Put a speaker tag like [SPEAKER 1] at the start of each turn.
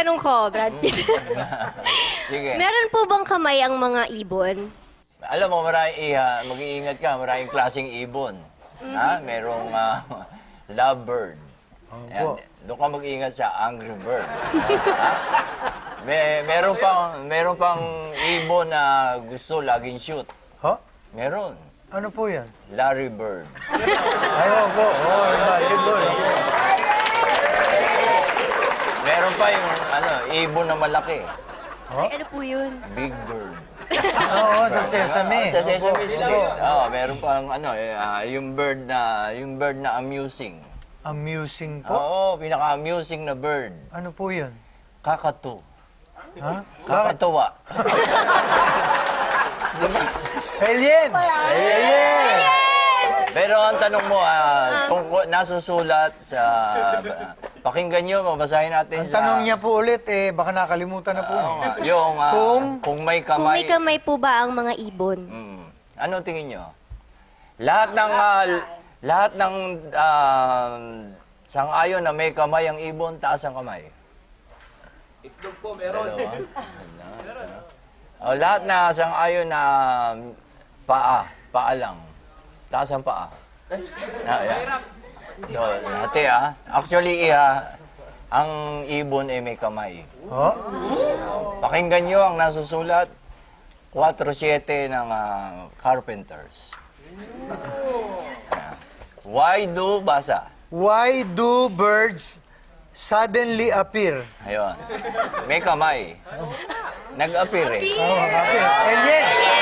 [SPEAKER 1] tanong ko, Brad Pitt.
[SPEAKER 2] Sige.
[SPEAKER 1] Meron po bang kamay ang mga ibon?
[SPEAKER 2] Alam mo, mag-iingat ka, maraming klaseng ibon. Ha? Merong lovebird. Ayan, doon ka mag-iingat sa angry bird. Ha? Meron pang ibon na gusto laging shoot.
[SPEAKER 3] Ha?
[SPEAKER 2] Meron.
[SPEAKER 3] Ano po yan?
[SPEAKER 2] Larry Bird.
[SPEAKER 3] Ayaw po. Oh, good Lord.
[SPEAKER 2] Meron pa yung ibon na malaki.
[SPEAKER 1] Ay, ano po yun?
[SPEAKER 2] Big Bird.
[SPEAKER 3] Oo, sa Sesame.
[SPEAKER 2] Sa Sesame Street. Oo, meron pang yung bird na amusing.
[SPEAKER 3] Amusing po?
[SPEAKER 2] Oo, pinaka-amusing na bird.
[SPEAKER 3] Ano po yun?
[SPEAKER 2] Kakatu.
[SPEAKER 3] Ha? Bakit?
[SPEAKER 2] Kakatuwa.
[SPEAKER 3] Alien! Alien!
[SPEAKER 2] Pero ang tanong mo, nasusulat sa... pakinggan nyo, mabasahin natin
[SPEAKER 3] Ang
[SPEAKER 2] sa...
[SPEAKER 3] tanong niya po ulit, baka nakalimutan na po.
[SPEAKER 2] Oo nga, yung kung may
[SPEAKER 1] Kung
[SPEAKER 2] kamay...
[SPEAKER 1] may kamay po ba ang mga ibon?
[SPEAKER 2] Ano tingin nyo? Lahat ng sang-ayon na may kamay ang ibon, taas ang kamay.
[SPEAKER 4] Itlog po, meron.
[SPEAKER 2] O, lahat na sang-ayon na paa lang. Taas ang paa. Yan. So, ate actually, ang ibon ay may kamay.
[SPEAKER 3] Oh?
[SPEAKER 2] Pakinggan nyo ang nasusulat, 4-7 ng Carpenters. Why do, basa.
[SPEAKER 3] Why do birds suddenly appear?
[SPEAKER 2] Ayun. May kamay. Nag-appear eh.
[SPEAKER 3] Oh, appear. Alien!